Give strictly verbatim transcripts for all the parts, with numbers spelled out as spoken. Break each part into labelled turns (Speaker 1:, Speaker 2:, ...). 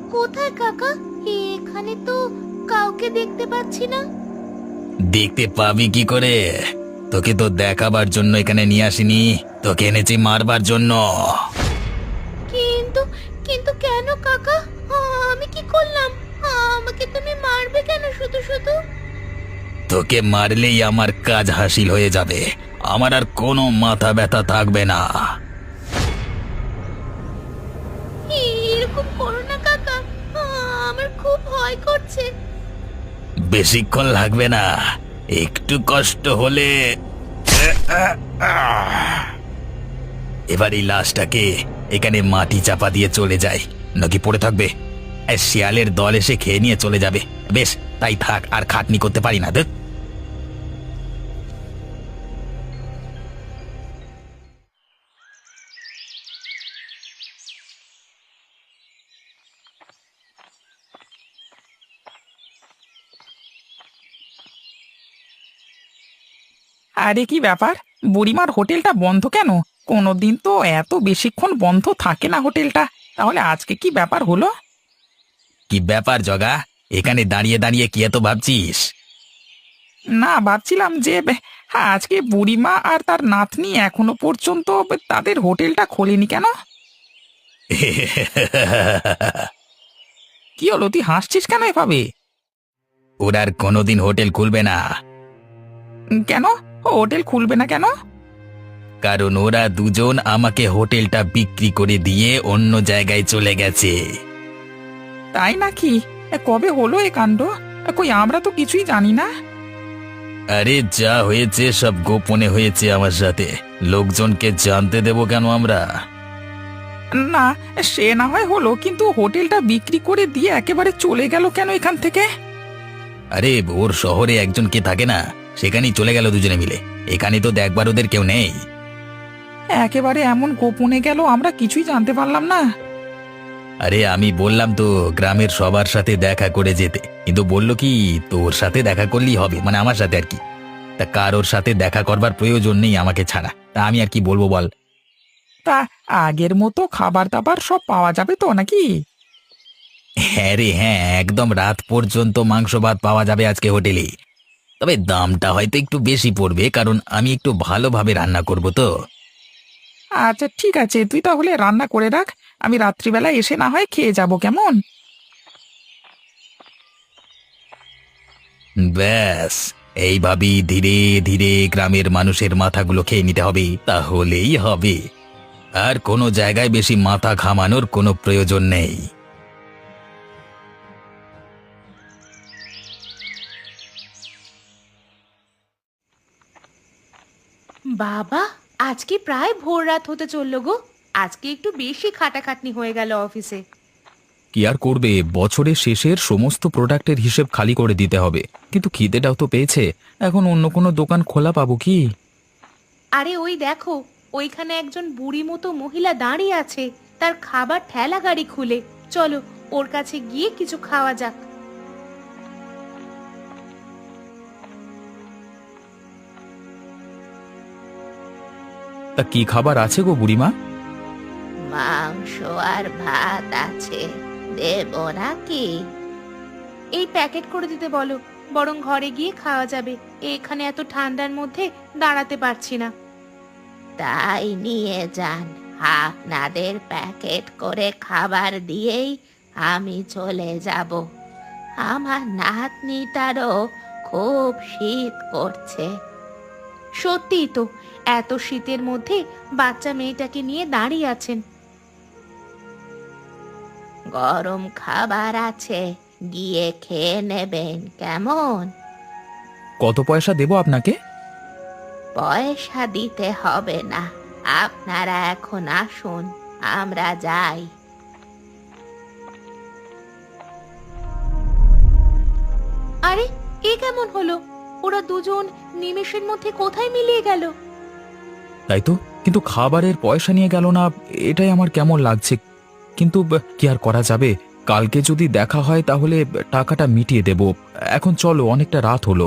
Speaker 1: কোথায় কাকা? এখানে তো কাউকে দেখতে পাচ্ছি না।
Speaker 2: দেখতে পাবি কি করে? তোকে তো দেখাবার জন্য এখানে নিয়ে আসিনি, তোকে এনেছি মারবার জন্য।
Speaker 1: কিন্তু কিন্তু কেন কাকা? আমি কি করলাম? আমাকে তুমি মারবে কেন শুধু শুধু?
Speaker 2: তোকে মারলেই আমার কাজ হাসিল হয়ে যাবে, আমার আর কোনো মাথা ব্যথা থাকবে না।
Speaker 1: এরকম করো না কাকা, আমার খুব ভয় করছে।
Speaker 2: বেশিক্ষণ লাগবে না, একটু কষ্ট হলে। এবার এই লাশটাকে এখানে মাটি চাপা দিয়ে চলে যায়, নাকি পড়ে থাকবে? এই শিয়ালের দল এসে খেয়ে নিয়ে চলে যাবে। বেশ, তাই থাক, আর খাটনি করতে পারি না। দেখ,
Speaker 3: আরে কি ব্যাপার, বুড়িমার হোটেলটা বন্ধ কেন? কোনোদিন তো এত বেশিক্ষণ বন্ধ থাকে না হোটেলটা। তাহলে আজকে কি ব্যাপার হলো?
Speaker 2: কি ব্যাপার জগা? এখানে দাঁড়িয়ে দাঁড়িয়ে কি এত ভাবছিস?
Speaker 3: না, ভাবছিলাম যে বে- হ্যাঁ, আজকে বুড়িমা আর তার নাতনি এখনো পর্যন্ত বে- তাদের হোটেলটা খোলেনি কেন? কি হলো, তুই হাসছিস কেন এভাবে?
Speaker 2: ওরা আর কোনোদিন হোটেল খুলবে না,
Speaker 3: উম, কেন? ও হোটেল খুলবে না কেন?
Speaker 2: কারণ ওরা দুজন আমাকে হোটেলটা বিক্রি করে দিয়ে অন্য জায়গায় চলে গেছে।
Speaker 3: তাই নাকি? এ, কবে হলো এ কাণ্ড? এ, কই আমরা তো কিছুই জানি না।
Speaker 2: আরে যা হয়েছে সব গোপনে হয়েছে আমার সাথে, লোকজনকে জানতে দেব কেন আমরা?
Speaker 3: না, সে না হয় হলো, কিন্তু হোটেলটা বিক্রি করে দিয়ে একেবারে চলে গেল কেন এখান থেকে?
Speaker 2: আরে ওর শহরে একজন কে থাকে না, সেখানেই চলে গেল দুজনে মিলে। এখানে তো দেখবার ওদের কেউ নেই।
Speaker 3: একেবারে এমন গোপনে গেল, আমরা কিছুই জানতে পারলাম না।
Speaker 2: আরে আমি বললাম তো গ্রামের সবার সাথে দেখা করে যেতে, কিন্তু বলল কি তোর সাথে দেখা করলেই হবে, মানে আমার সাথে আর কি। তা কারোর সাথে দেখা করবার প্রয়োজন নেই আমাকে ছাড়া, তা আমি আর কি বলবো বল?
Speaker 3: তা আগের মতো খাবার দাবার সব পাওয়া যাবে তো নাকি?
Speaker 2: হ্যাঁ রে হ্যাঁ, একদম রাত পর্যন্ত মাংস ভাত পাওয়া যাবে আজকে হোটেলে। তবে দামটা হয়তো একটু বেশি পড়বে, কারণ আমি একটু ভালোভাবে রান্না করব তো।
Speaker 3: আচ্ছা ঠিক আছে, তুই তাহলে রান্না করে রাখ, আমি রাত্রিবেলা এসে না হয় খেয়ে যাব, কেমন?
Speaker 2: ব্যাস, এইভাবেই ধীরে ধীরে গ্রামের মানুষের মাথাগুলো খেয়ে নিতে হবে, তাহলেই হবে। আর কোনো জায়গায় বেশি মাথা ঘামানোর কোনো প্রয়োজন নেই।
Speaker 1: বাবা, আজকে প্রায় ভোর রাত হতে চললো গো। আজকে একটু বেশি খাটাখাটনি হয়ে গেল অফিসে।
Speaker 4: কি আর করবে, বছরের শেষের সমস্ত প্রোডাক্টের হিসেব খালি করে দিতে হবে। কিন্তু খিদেটাও তো পেয়েছে, এখন অন্য কোনো দোকান খোলা পাবো কি?
Speaker 1: আরে ওই দেখো, ওইখানে একজন বুড়ি মতো মহিলা দাঁড়িয়ে আছে, তার খাবার ঠেলা গাড়ি খুলে। চলো ওর কাছে গিয়ে কিছু খাওয়া যাক।
Speaker 4: তা কি খাবার আছে গো বুড়িমা?
Speaker 1: মাংস আর ভাত আছে, দেব নাকি? এই প্যাকেট করে দিতে বলো, বরং ঘরে গিয়ে খাওয়া যাবে। এখানে এত ঠান্ডার মধ্যে দাঁড়াতে পারছি না। তাই নিয়ে যান, আপনাদের প্যাকেট করে খাবার দিয়েই আমি চলে যাব। আমার নাতনিটারও খুব শীত করছে। সত্যিই তো, এত শীতের মধ্যে বাচ্চা মেয়েটাকে নিয়ে দাঁড়িয়ে আছেন। গরম খাবার আছে, গিয়ে খেয়ে নেবেন কেমন?
Speaker 4: কত পয়সা দেবো আপনাকে?
Speaker 1: পয়সা দিতে হবে না, আপনারা এখন আসুন, আমরা যাই। আরে এ কেমন হলো? ওরা দুজন নিমেষের মধ্যে কোথায় মিলিয়ে গেল?
Speaker 4: তাই তো, কিন্তু খাবারের পয়সা নিয়ে গেল না, এটাই আমার কেমন লাগছে। কিন্তু ব, কি আর করা যাবে, কালকে যদি দেখা হয় তাহলে টাকাটা মিটিয়ে দেব। এখন চলো, অনেকটা রাত হলো।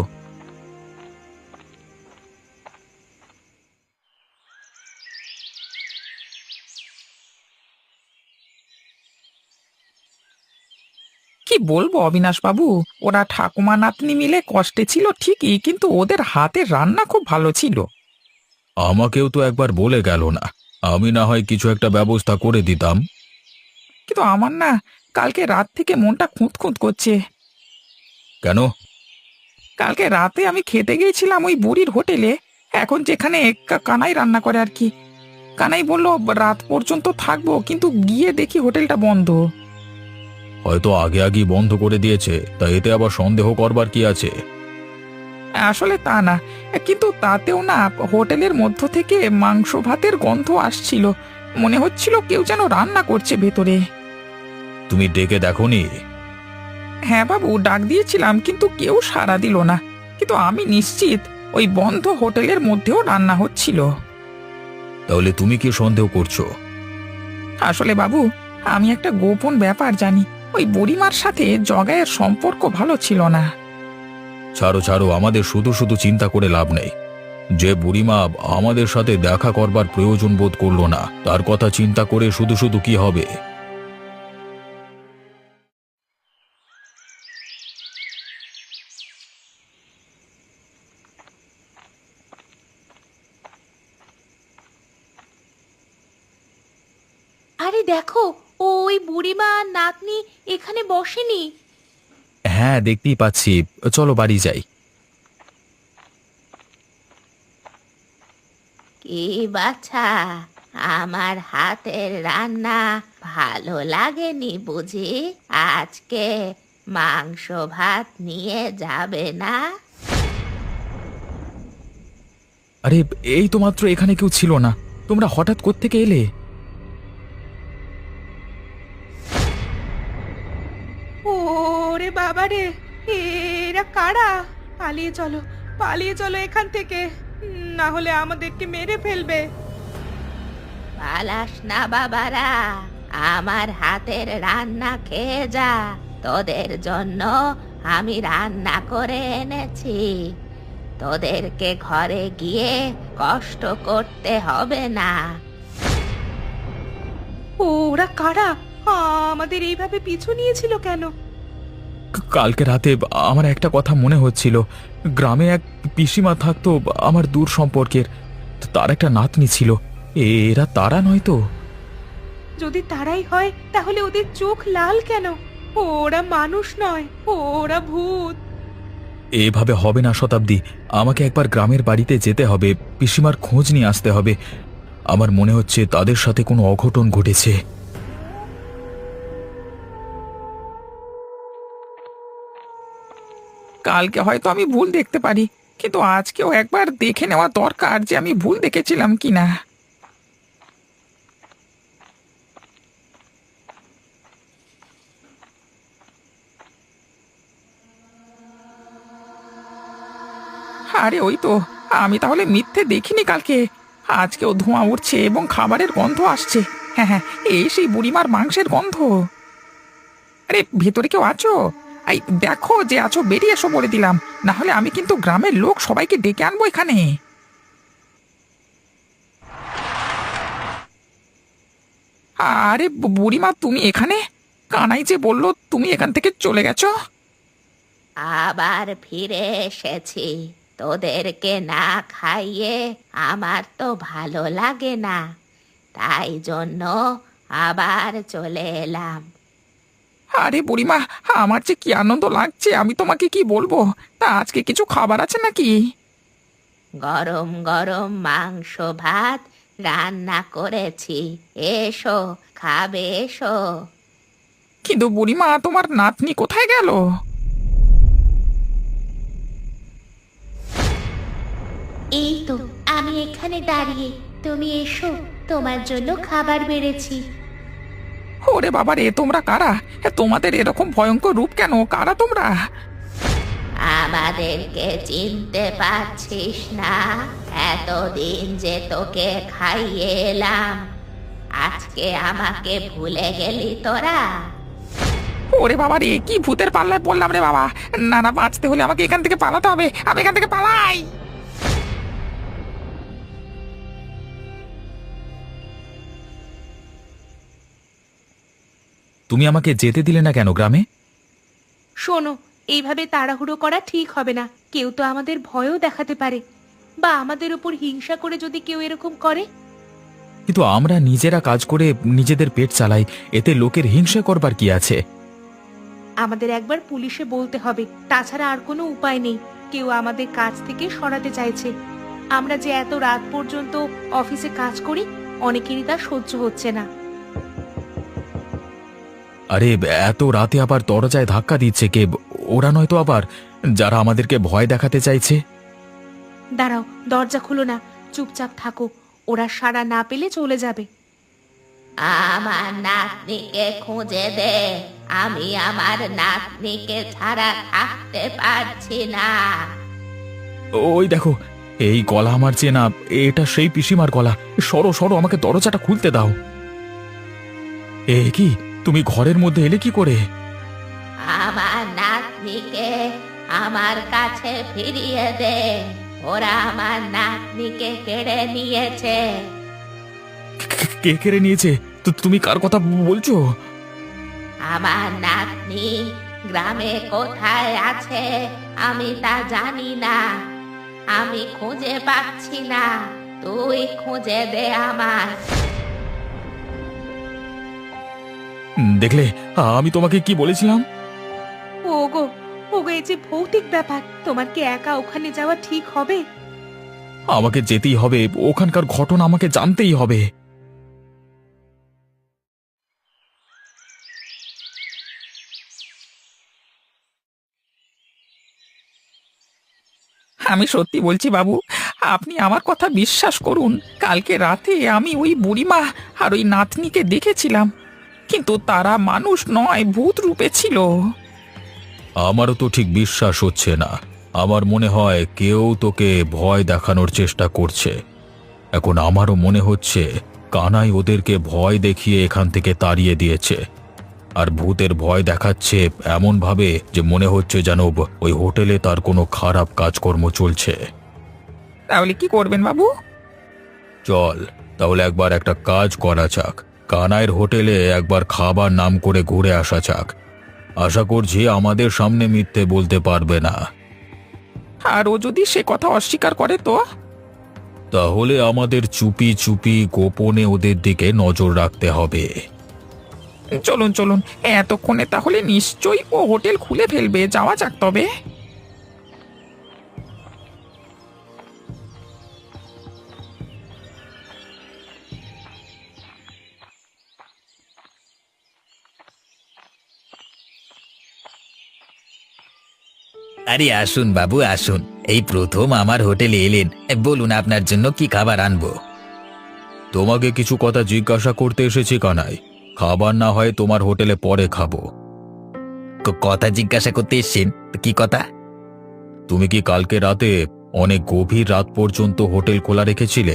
Speaker 3: কি বলবো অবিনাশ বাবু, ওরা ঠাকুমা নাতনি মিলে কষ্টে ছিল ঠিকই, কিন্তু ওদের হাতের রান্না খুব ভালো ছিল।
Speaker 4: আমাকেও তো একবার বলে গেল না, আমি না হয় কিছু একটা ব্যবস্থা করে দিতাম।
Speaker 3: কিন্তু আমার না কালকে রাত থেকে মনটা খুঁত খুঁত করছে।
Speaker 4: কেন?
Speaker 3: কালকে রাতে আমি খেতে গিয়েছিলাম ওই বুড়ির হোটেলে, এখন যেখানে কা- কানাই রান্না করে আর কি। কানাই বলল রাত পর্যন্ত থাকবো, কিন্তু গিয়ে দেখি হোটেলটা বন্ধ।
Speaker 4: হয়তো আগে আগেই বন্ধ করে দিয়েছে, তা এতে আবার সন্দেহ করবার কি আছে?
Speaker 3: আসলে তা না, কিন্তু তাতেও না হোটেলের মধ্য থেকে মাংস ভাতের গন্ধ আসছিল। মনে হচ্ছিল কেউ যেন রান্না করছে ভেতরে।
Speaker 4: তুমি ডেকে দেখোনি?
Speaker 3: হ্যাঁ বাবু, ডাক দিয়েছিলাম কিন্তু কেউ সাড়া দিল না। কিন্তু আমি নিশ্চিত ওই বন্ধ হোটেলের মধ্যেও রান্না হচ্ছিল।
Speaker 4: তাহলে তুমি কি সন্দেহ করছো?
Speaker 3: আসলে বাবু, আমি একটা গোপন ব্যাপার জানি। ওই বুড়িমার সাথে জগায়ের সম্পর্ক ভালো ছিল না।
Speaker 4: ছাড়ো ছাড়ো, আমাদের শুধু শুধু চিন্তা করে লাভ নেই। যে বুড়িমা আমাদের সাথে দেখা করবার প্রয়োজন বোধ করলো না, তার কথা চিন্তা করে শুধু শুধু কি হবে?
Speaker 1: আরে দেখো, ও ওই বুড়িমা আর নাতনি এখানে বসেনি।
Speaker 4: হ্যাঁ, দেখতেই পাচ্ছি। চলো বাড়ি যাই।
Speaker 1: কি বাছা, আমার হাতের রান্না ভালো লাগেনি বুঝি? আজকে মাংস ভাত নিয়ে যাবে না?
Speaker 4: আরে, এই তো মাত্র এখানে কেউ ছিল না, তোমরা হঠাৎ কোত্থেকে এলে?
Speaker 1: ওরে বাবা রে, এরা কারা? পালিয়ে চলো, পালিয়ে চলো এখান থেকে, না হলে আমাদেরকে মেরে ফেলবে। পালাস না বাবারা, আমার হাতের রান্না খেয়ে যা। তোদের জন্য আমি রান্না করে এনেছি, তোদেরকে ঘরে গিয়ে কষ্ট করতে হবে না। ওরা কারা? আমাদের এইভাবে পিছু নিয়েছিল কেন?
Speaker 4: ক- কালকে রাতে আমার একটা কথা মনে হচ্ছিল। গ্রামে এক পিসিমা থাকতো, আমার দূর সম্পর্কের। তার একটা নাতনি ছিল। এ- এরা তারা নয় তো?
Speaker 1: যদি তারাই হয় তাহলে ওদের চোখ লাল কেন? ওরা মানুষ নয়, ওরা ভূত।
Speaker 4: এভাবে হবে না শতাব্দী, আমাকে একবার গ্রামের বাড়িতে যেতে হবে, পিসিমার খোঁজ নিয়ে আসতে হবে। আমার মনে হচ্ছে তাদের সাথে কোনো অঘটন ঘটেছে।
Speaker 3: কালকে হয়তো আমি ভুল দেখতে পারি, কিন্তু আজকেও একবার দেখে নেওয়া দরকার যে আমি ভুল দেখেছিলাম কিনা। আরে ওই তো, আমি তাহলে মিথ্যে দেখিনি কালকে। আজকেও ধোঁয়া উঠছে এবং খাবারের গন্ধ আসছে। হ্যাঁ হ্যাঁ, এই সেই বুড়িমার মাংসের গন্ধ। আরে ভেতরে কেউ আছো? এই দেখো যে আছো, বেরিয়ে এসো বলে দিলাম, না হলে আমি কিন্তু গ্রামের লোক সবাইকে ডেকে আনবো এখানে। আরে বু- বুড়িমা, তুমি এখানে? কানাই যে বললো তুমি এখান থেকে চলে গেছো।
Speaker 1: আবার ফিরে এসেছি। তোদেরকে না খাইয়ে আমার তো ভালো লাগে না, তাই জন্য আবার চলে এলাম।
Speaker 3: আরে বুড়িমা, আমার যে কি আনন্দ লাগছে, আমি তোমাকে কি বলবো। তা আজকে কিছু খাবার আছে নাকি?
Speaker 1: গরম গরম মাংস ভাত রান্না করেছি, এসো খাবে এসো।
Speaker 3: কিন্তু বুড়িমা, তোমার নাতনি কোথায় গেল?
Speaker 1: এই তো আমি এখানে দাঁড়িয়ে, তুমি এসো, তোমার জন্য খাবার বেড়েছি।
Speaker 3: ওরে বাবা রে, তোমরা কারা? এ, তোমাদের এরকম ভয়ঙ্কর রূপ কেন? কারা তোমরা?
Speaker 1: আমাদেরকে চিনতে পারছিস না? এতদিন যে তোকে খাইয়ে এলাম, আজকে আমাকে ভুলে গেলি তোরা?
Speaker 3: ওরে বাবা রে, কি ভূতের পাল্লায় পড়লাম রে বাবা। না না, বাঁচতে হলে আমাকে এখান থেকে পালাতে হবে, আমি এখান থেকে পালাই।
Speaker 4: তুমি আমাকে যেতে দিলে না কেন গ্রামে?
Speaker 1: শোনো, এইভাবে তাড়াহুড়ো করা ঠিক হবে না। কেউ তো আমাদের ভয়ও দেখাতে পারে, বা আমাদের উপর হিংসা করে যদি কেউ এরকম করে।
Speaker 4: কিন্তু আমরা নিজেরা কাজ করে নিজেদের পেট চালাই, এতে লোকের হিংসা করবার কি আছে?
Speaker 1: আমাদের একবার পুলিশে বলতে হবে, তাছাড়া আর কোনো উপায় নেই। কেউ আমাদের কাজ থেকে সরাতে চাইছে। আমরা যে এত রাত পর্যন্ত অফিসে কাজ করি, অনেকেরই তা সহ্য হচ্ছে না।
Speaker 4: আরে এত রাতে আবার দরজায় ধাক্কা দিচ্ছে কে? ওরা নয়তো আবার যারা আমাদেরকে ভয় দেখাতে চাইছে।
Speaker 1: দাঁড়াও, দরজা খুলো না, চুপচাপ থাকো। ওরা সাড়া না পেলে চলে যাবে। আমার নাতনিকে খুঁজে দে, আমি আমার নাতনিকে ছাড়া থাকতে পারছি না।
Speaker 4: ওই দেখো, এই গলা আমার চেনা, এটা সেই পিসিমার গলা। সরো সরো, আমাকে দরজাটা খুলতে দাও। এ কি, তুমি ঘরের মধ্যে এলে কি করে?
Speaker 1: আমার নাতনিকে আমার কাছে ফিরিয়ে দে, ওরা আমার নাতনিকে কেড়ে নিয়েছে।
Speaker 4: কে কেড়ে নিয়েছে? তো তুমি কার কথা বলছো?
Speaker 1: আমার নাতনি গ্রামে কোথায় আছে আমি তা জানি না, আমি খুঁজে পাচ্ছি না, তুই খুঁজে দে আমার।
Speaker 4: দেখলে আমি তোমাকে কি বলেছিলাম?
Speaker 1: ওগো, ওগো, এই যে ভৌতিক ব্যাপার, তোমার কি একা ওখানে যাওয়া ঠিক হবে?
Speaker 4: আমাকে যেতেই হবে, ওখানকার ঘটনা আমাকে জানতেই হবে।
Speaker 3: আমি সত্যি বলছি বাবু, আপনি আমার কথা বিশ্বাস করুন। কালকে রাতে আমি ওই বুড়িমা আর ওই নাতনিকে দেখেছিলাম, কিন্তু তারা মানুষ নয়, ভূত রূপে ছিল।
Speaker 2: আমারও তো ঠিক বিশ্বাস হচ্ছে না। আমার মনে হয় কেউ তোকে ভয় দেখানোর চেষ্টা করছে। এখন আমারও মনে হচ্ছে কানাই ওদেরকে ভয় দেখিয়ে এখান থেকে তাড়িয়ে দিয়েছে। আর ভূতের ভয় দেখাচ্ছে এমন ভাবে যে মনে হচ্ছে যেন ওই হোটেলে তার কোনো খারাপ কাজকর্ম চলছে।
Speaker 3: তাহলে কি করবেন বাবু?
Speaker 2: চল তাহলে একবার একটা কাজ করা যাক, কানাইয়ের হোটেলে একবার খাবার নাম করে ঘুরে আসা যাক। আশা করছি আমাদের সামনে মিথ্যে বলতে পারবে না।
Speaker 3: আর ও যদি সে কথা অস্বীকার করে তো?
Speaker 2: তাহলে আমাদের চুপি চুপি গোপনে ওদের দিকে নজর রাখতে হবে।
Speaker 3: চলুন চলুন, এতক্ষণে তাহলে নিশ্চয়ই ও হোটেল খুলে ফেলবে। যাওয়া যাক তবে।
Speaker 2: আরে আসুন বাবু আসুন, এই প্রথম আমার হোটেলে এলেন, বলুন আপনার জন্য কি খাবার আনবো। তোমাকে কিছু কথা জিজ্ঞাসা করতে এসেছি কানাই। খাবার না হয় তোমার হোটেলে পরে খাবো। কথা জিজ্ঞাসা করতে এসেছেন? কি কথা? তুমি কি কালকে রাতে অনেক গভীর রাত পর্যন্ত হোটেল খোলা রেখেছিলে?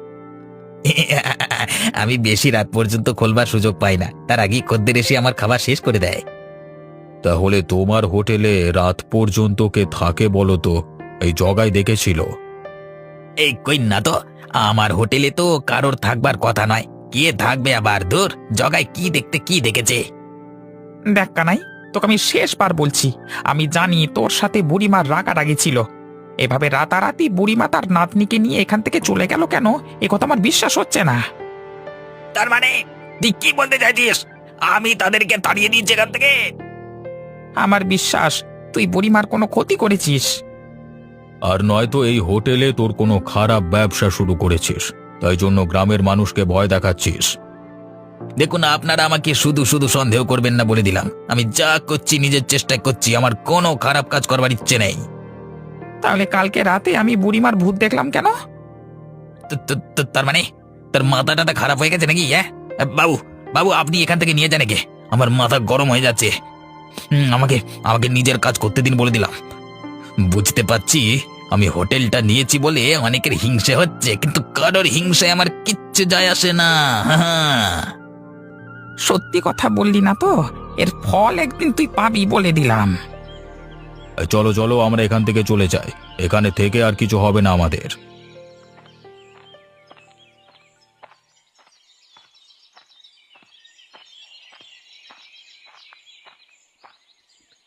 Speaker 2: আমি বেশি রাত পর্যন্ত খোলবার সুযোগ পাই না, তার আগেই খদ্দের এসে আমার খাবার শেষ করে দেয়। তাহলে তোমার হোটেলে রাত পর্যন্ত কে থাকে বলো তো? এই জগাই দেখেছিল? এই কই না তো, আমার হোটেলে তো কারোর থাকবার কথা নয়। কে থাকবে আবার? দূর, জগাই কি দেখতে কি দেখেছে?
Speaker 3: দেখ কানাই, তোকে আমি শেষবার বলছি, আমি জানি তোর সাথে বুড়িমার রাগারাগি ছিল। এভাবে রাতারাতি বুড়িমা তার নাতনিকে নিয়ে এখান থেকে চলে গেল কেন, এ কথা আমার বিশ্বাস হচ্ছে না।
Speaker 2: তার মানে তুই কি বলতে চাইছিস? আমি তাদেরকে তাড়িয়ে দিয়েছি এখান থেকে?
Speaker 3: আমার বিশ্বাস তুই বুড়িমার কোনো ক্ষতি করেছিস।
Speaker 2: আর নয়তো এই হোটেলে তোর কোনো খারাপ ব্যবসা শুরু করেছিস, তাই জন্য গ্রামের মানুষকে ভয় দেখাচ্ছিস। দেখুন, আপনারা আমাকে শুধু শুধু সন্দেহ করবেন না বলে দিলাম। আমি যা করছি নিজের চেষ্টায় করছি, আমার কোনো খারাপ কাজ করবার ইচ্ছে নেই।
Speaker 3: তাহলে কালকে রাতে আমি বুড়িমার ভূত দেখলাম কেন?
Speaker 2: তো- তো- তো- তার মানে তার মাথা টাথা খারাপ হয়ে গেছে নাকি? হ্যাঁ বাবু, বাবু আপনি এখান থেকে নিয়ে যান একে, আমার মাথা গরম হয়ে যাচ্ছে। হুম, আমাকে আমাকে নিজের কাজ করতে দিন বলে দিলাম। বুঝতে পারছি আমি হোটেলটা নিয়েছি বলে অনেকের হিংসে হচ্ছে, কিন্তু কারোর হিংসায় আমার কিচ্ছু যায় আসে না। হ্যাঁ,
Speaker 3: সত্যি কথা বললি না তো, এর ফল একদিন তুই পাবি বলে দিলাম।
Speaker 2: চলো চলো আমরা এখান থেকে চলে যাই, এখানে থেকে আর কিছু হবে না আমাদের।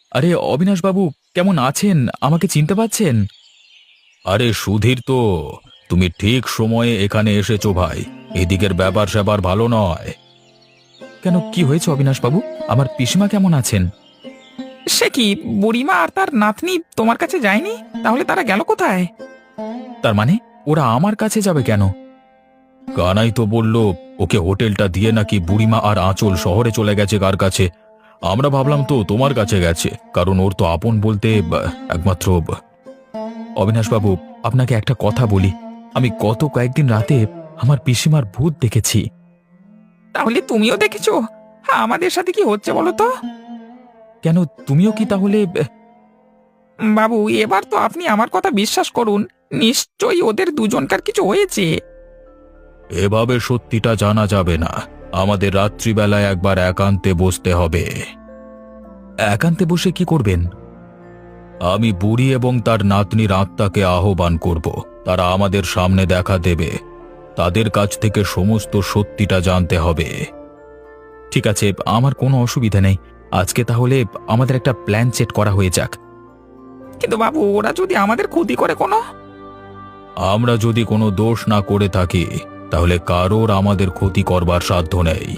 Speaker 4: আরে অবিনাশ বাবু, কেমন আছেন? আমাকে চিনতে পাচ্ছেন? আরে সুধীর তো, তুমি ঠিক সময়ে এখানে এসেছো ভাই। এদিকের ব্যাপার স্যাপার ভালো নয়। কেন, কি হয়েছে অবিনাশ বাবু? আমার পিসিমা কেমন আছেন?
Speaker 3: সে কি, বুড়িমা আর তার নাতনি তোমার কাছে যায়নি? তাহলে তারা গেল কোথায়?
Speaker 4: তার মানে ওরা আমার কাছে যাবে কেন? কানাই তো বলল ওকে হোটেলটা দিয়ে নাকি বুড়িমা আর আঁচল শহরে চলে গেছে কার কাছে। আমরা ভাবলাম তো তোমার কাছে গেছে, কারণ ওর তো আপন বলতে বা, একমাত্র বা- অবিনাশ বাবু, আপনাকে একটা কথা বলি। আমি গত কয়েকদিন রাতে আমার পিসিমার ভূত দেখেছি।
Speaker 3: তাহলে তুমিও দেখেছো? হ্যাঁ, আমাদের সাথে কি হচ্ছে বলো তো?
Speaker 4: কেন, তুমিও কি তাহলে?
Speaker 3: বাবু, এবার তো আপনি আমার কথা বিশ্বাস করুন। নিশ্চয়ই ওদের দুজনকার কিছু হয়েছে।
Speaker 4: এভাবে সত্যিটা জানা যাবে না। আমাদের রাত্রিবেলায় একবার একান্তে বসতে হবে। একান্তে বসে কি করবেন? আমি বুড়ি এবং তার নাতনির আত্মাকে আহ্বান করব। তারা আমাদের সামনে দেখা দেবে। তাদের কাছ থেকে সমস্ত সত্যিটা জানতে হবে। ঠিক আছে, আমার কোনো অসুবিধা নেই। আজকে তাহলে আমাদের একটা প্ল্যান সেট করা হয়ে যাক।
Speaker 3: কিন্তু বাবু, ওরা যদি আমাদের ক্ষতি করে কোনো?
Speaker 4: আমরা যদি কোনো দোষ না করে থাকি, তাহলে কারোর আমাদের ক্ষতি করবার সাধ্য নেই।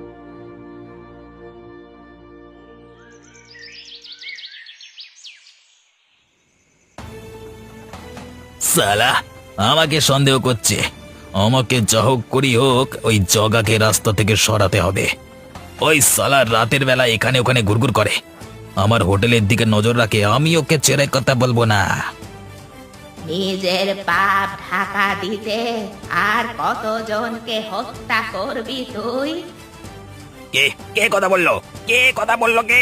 Speaker 2: সালা আমাকে সন্দেহ করছে। আমাকে যা হোক করি হোক ওই জগাকে রাস্তা থেকে সরাতে হবে। ওই সালা রাতের বেলা এখানে ওখানে ঘুরঘুর করে, আমার হোটেলের দিকে নজর রাখে। আমি ওকে ছেড়ে কথা বলবো না।
Speaker 1: নিজের পাপ ঢাকা দিতে আর কতজনকে হত্যা করবি তুই?
Speaker 2: কে কে কথা বললো? কে কথা বললো? কে?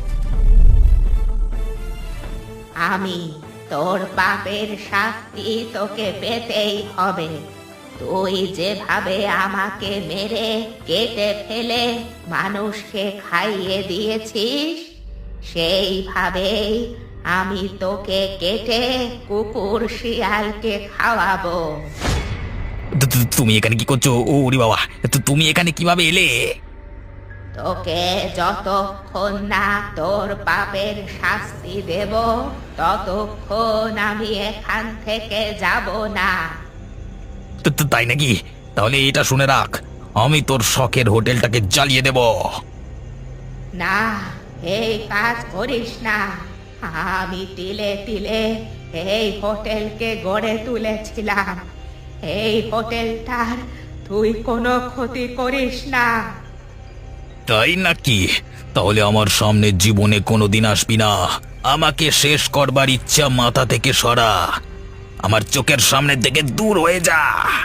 Speaker 1: আমি। তোর পাপের শাস্তি তোকে পেতেই হবে। তুই যেভাবে আমাকে মেরে কেটে ফেলে মানুষকে খাইয়ে দিয়েছিস, সেইভাবেই আমি তোকে কেটে কুকুর শিয়ালকে খাওয়াবো।
Speaker 2: তু- তু- তুমি এখানে কি করছো? ও ওরে বাবা, তু- তুমি এখানে কিভাবে এলে?
Speaker 1: তোকে যতক্ষণ না তোর পাপের শাস্তি দেব, ততক্ষণ আমি এখান থেকে যাব না।
Speaker 2: তু- তু- তাই নাকি? তাহলে এটা শুনে রাখ, আমি তোর শখের হোটেলটাকে জ্বালিয়ে দেব।
Speaker 1: না, এই কাজ করিস না। আমি তিলে তিলে এই হোটেলকে গড়ে তুলেছিলাম। এই হোটেলটার তুই কোনো ক্ষতি করিস না।
Speaker 2: তাই নাকি? তাহলে আমার সামনে জীবনে কোনোদিন আসবি না। আমাকে শেষ করবার ইচ্ছা মাথা থেকে সরা। আমার চোখের সামনে থেকে দূর হয়ে যা।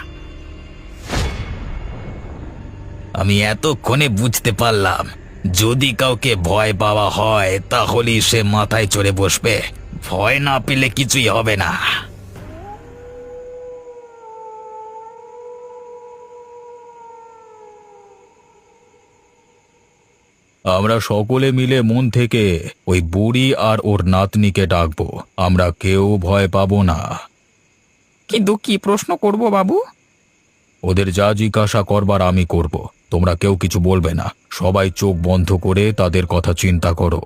Speaker 2: আমি এতক্ষণে বুঝতে পারলাম, যদি কাউকে ভয় পাওয়া হয় তাহলেই সে মাথায় চড়ে বসবে। ভয় না পেলে কিছুই হবে না।
Speaker 4: আমরা সকলে মিলে মন থেকে ওই বুড়ি আর ওর নাতনিকে ডাকবো। আমরা কেউ ভয় পাবো না।
Speaker 3: কিন্তু কি প্রশ্ন করব বাবু?
Speaker 4: ওদের যা জিজ্ঞাসা করবার আমি করব। তোমরা কেউ কিছু বলবে না। সবাই চোখ বন্ধ করে তাদের কথা চিন্তা করো।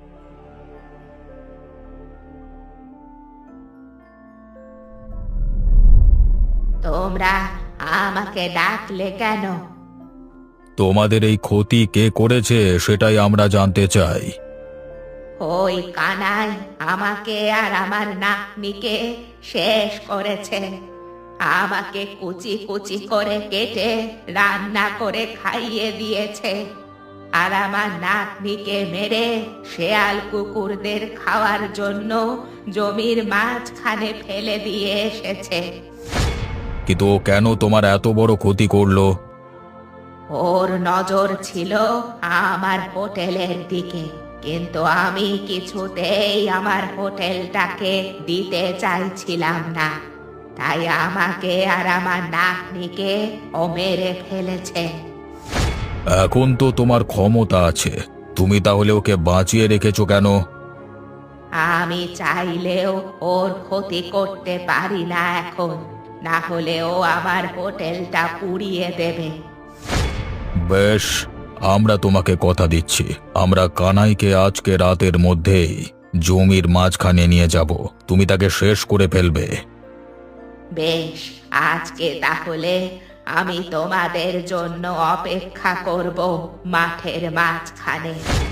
Speaker 1: তোমরা আমাকে ডাকলে কেন?
Speaker 4: তোমাদের এই ক্ষতি কে করেছে সেটাই আমরা জানতে চাই।
Speaker 1: ওই কানাই আমাকে আর আমার নাতনিকে শেষ করেছে। আমাকে কুচি কুচি করে কেটে রান্না করে খাইয়ে দিয়েছে, আর আমার নাতনিকে মেরে শেয়াল কুকুরদের খাওয়ার জন্য জমির মাঝখানে ফেলে দিয়ে এসেছে।
Speaker 4: কিন্তু ও কেন তোমার এত বড় ক্ষতি করলো?
Speaker 1: ওর নজর ছিল আমার হোটেলের দিকে, কিন্তু আমি কিছুতেই আমার হোটেলটাকে দিতে চাইছিলাম না। তাই আমাকে আর আমার নাতনিকে ও মেরে ফেলেছে।
Speaker 4: এখন তো তোমার ক্ষমতা আছে, তুমি তাহলে ওকে বাঁচিয়ে রেখেছো কেন?
Speaker 1: আমি চাইলেও ওর ক্ষতি করতে পারি না এখন, না হলে ও আমার হোটেলটা পুড়িয়ে দেবে।
Speaker 4: বেশ,
Speaker 2: আমরা তোমাকে কথা দিচ্ছি, আমরা কানাইকে আজকে রাতের মধ্যেই জমির মাঝখানে নিয়ে যাব, তুমি তাকে শেষ করে ফেলবে।
Speaker 1: বেশ, আজকে তাহলে আমি তোমাদের জন্য অপেক্ষা করব মাঠের মাঝখানে।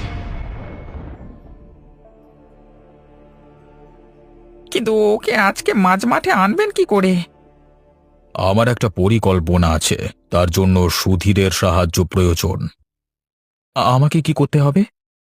Speaker 3: কিন্তু ওকে আজকে মাঝ মাঠে আনবেন কি করে?
Speaker 2: আমার একটা পরিকল্পনা আছে, তার জন্য সুধীরের সাহায্য প্রয়োজন।
Speaker 4: আ- আমাকে কি করতে হবে?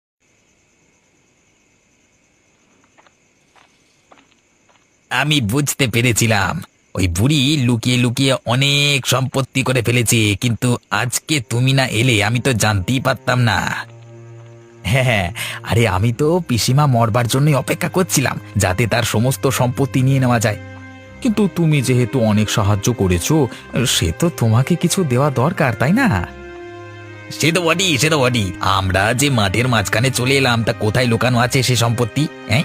Speaker 2: আমি বুঝতে পেরেছিলাম, ওই বুড়ি লুকিয়ে লুকিয়ে অনেক সম্পত্তি করে ফেলেছে, কিন্তু আজকে তুমি না এলে আমি তো জানতেই পারতাম না। হ্যাঁ হ্যাঁ, আরে আমি তো পিসিমা মরবার জন্যই অপেক্ষা করছিলাম, যাতে তার সমস্ত সম্পত্তি নিয়ে নেওয়া যায়।
Speaker 4: কিন্তু তুমি যেহেতু অনেক সাহায্য করেছো, সে তো তোমাকে কিছু দেওয়া দরকার, তাই না?
Speaker 2: সে তো বটি, সে তো বটি, আমরা যে মাঠের মাঝখানে চলে এলাম, তা কোথায় লুকানো আছে সে সম্পত্তি? হ্যাঁ,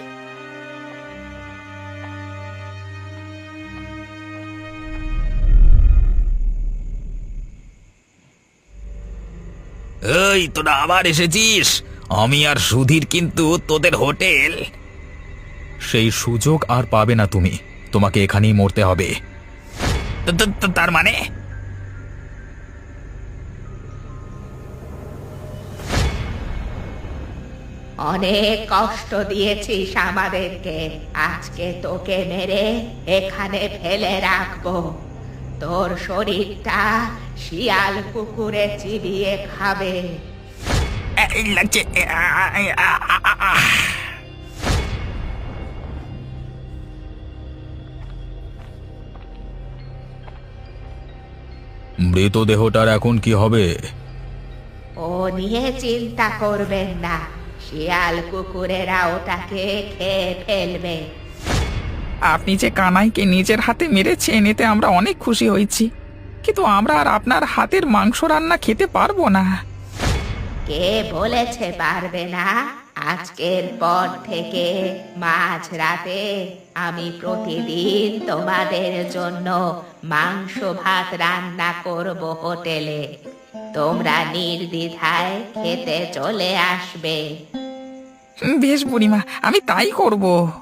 Speaker 2: এই তোরা আবার এসেছিস? আমি আর সুধীর কিন্তু তোদের হোটেল।
Speaker 4: সেই সুযোগ আর পাবে না তুমি, তোমাকে এখানেই মরতে হবে।
Speaker 2: তো- তো- তো তার মানে
Speaker 1: অনেক কষ্ট দিয়েছিস আমাদেরকে, আজকে তোকে মেরে এখানে ফেলে রাখবো। তোর শরীরটা শিয়াল কুকুরে চিবিয়ে খাবে।
Speaker 2: এই লাগছে। আ, আ, আ, আ, আ, আ। মৃতদেহটার এখন কি হবে?
Speaker 1: ও নিয়ে চিন্তা করবেন না, শিয়াল কুকুরেরা ওটাকে খেয়ে ফেলবে।
Speaker 3: আপনি যে কানাইকে নিজের হাতে মেরেছেন, এতে আমরা অনেক খুশি হয়েছি, কিন্তু আমরা আর আপনার হাতের মাংস রান্না খেতে পারবো না।
Speaker 1: কে বলেছে পারবে না? আজকের পর থেকে মাঝ রাতে আমি প্রতিদিন তোমাদের জন্য মাংস ভাত রান্না করব হোটেলে। তোমরা নির্দ্বিধায় খেতে চলে আসবে।
Speaker 3: বেশ বুড়িমা, আমি তাই করব।